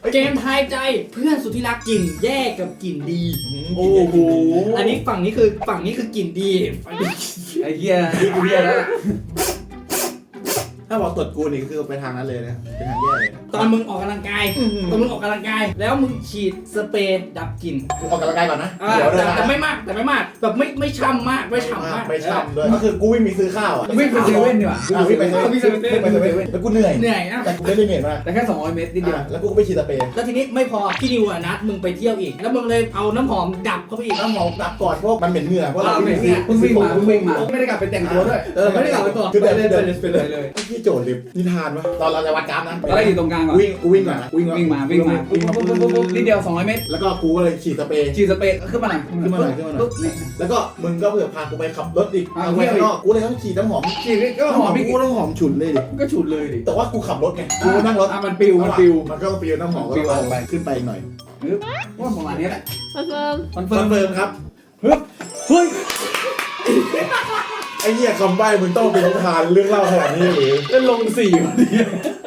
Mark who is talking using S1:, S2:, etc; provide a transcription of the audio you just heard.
S1: เกมทายใจเพื่อนสุดที่รักกลิ่นแย่กับกลิ่นดีโอ้โหอันนี้ฝั่งนี้คือกลิ่นดี
S2: ไอ้เหี้ยนี่กูเหี้ยแล้ว
S3: ถ้าบอกตดกูนี่คือไปทางนั้นเลยนะเป็นทางแย่เลย
S1: ตอนมึงออกกำลังกายแล้วมึงฉีดสเปรย์ดับกลิ่น
S3: กูออกกำลังกายก่อนนะ
S1: แต่ไม่มากแบบไม่ช่ำมากไม่ฉ่ำมาก
S3: ไม่ช่ำด้วยก็คือกูวิ่งมีซื้อข้าวอ่ะ
S2: วิ่งไปเซเว่นดีกว่า
S3: วิ่งไปเซเว่นแล้วกูเหนื่อย
S1: นะ
S3: แต่กูไม่ได้เหนื่อยมาก
S2: แต่แค่200 เมตรนิดเดียว
S3: แล้วกูก็ไปฉีดสเปรย์
S1: แล้วทีนี้ไม่พอพี่นิวนัดมึงไปเที่ยวอีกแล้วมึงเลยเอาน้ำหอมดับเข้าไปอีก
S3: น้ำหอมดับก่อนพวกมันเหม็นเหงื่อเพราะเรา
S2: เพิ่งวิ่งมาไม่ได้กลับไปแต่งตัวด้วย
S1: ไม่ได้กลับไปก่อน
S3: คือเดิน
S2: เลย
S3: พี่โจทย์ลิฟนิทานวะตอนเราจะวัดกราฟนะ
S2: อะไรอยู่ตรงกลางก่อน
S3: วิ่งก่อนนะวิ่งมา
S2: นิดเดียว200 เมตร
S3: แล้วก็กูก็เลยฉีดสเปรย์
S2: ฉีดสเปรย์ขึ้นมาหน่อย
S3: แล้วก็มึงก็เผื่อพากูไปขับรถอีกเอาไว้ข้างนอกกูเลยต้องฉีดน้ำหอม
S2: ฉีดก็หอม
S3: กูต้องหอมฉุนเลยดิ
S2: ก็ฉุดเลยดิ
S3: แต่ว่ากูขับรถไงกูนั่งรถ
S2: มันปิว
S3: มันก็ปิวน้ำหอมก็ไปขึ้นไปอีกหน่อย
S2: ว่าประมาณนี้แหละ
S4: คอนเฟิร์ม
S2: คอน
S3: ค
S2: เฟิ
S3: อ
S2: ร์
S3: น
S2: ม
S3: เฟิร์มครับ
S2: เฮ้ย
S3: ไอ้เหี้ยคำใบ้มึงต้องเป็นนิทานเรื่องเล่าขนาดนี้หรือ
S2: จะลง4วันนี้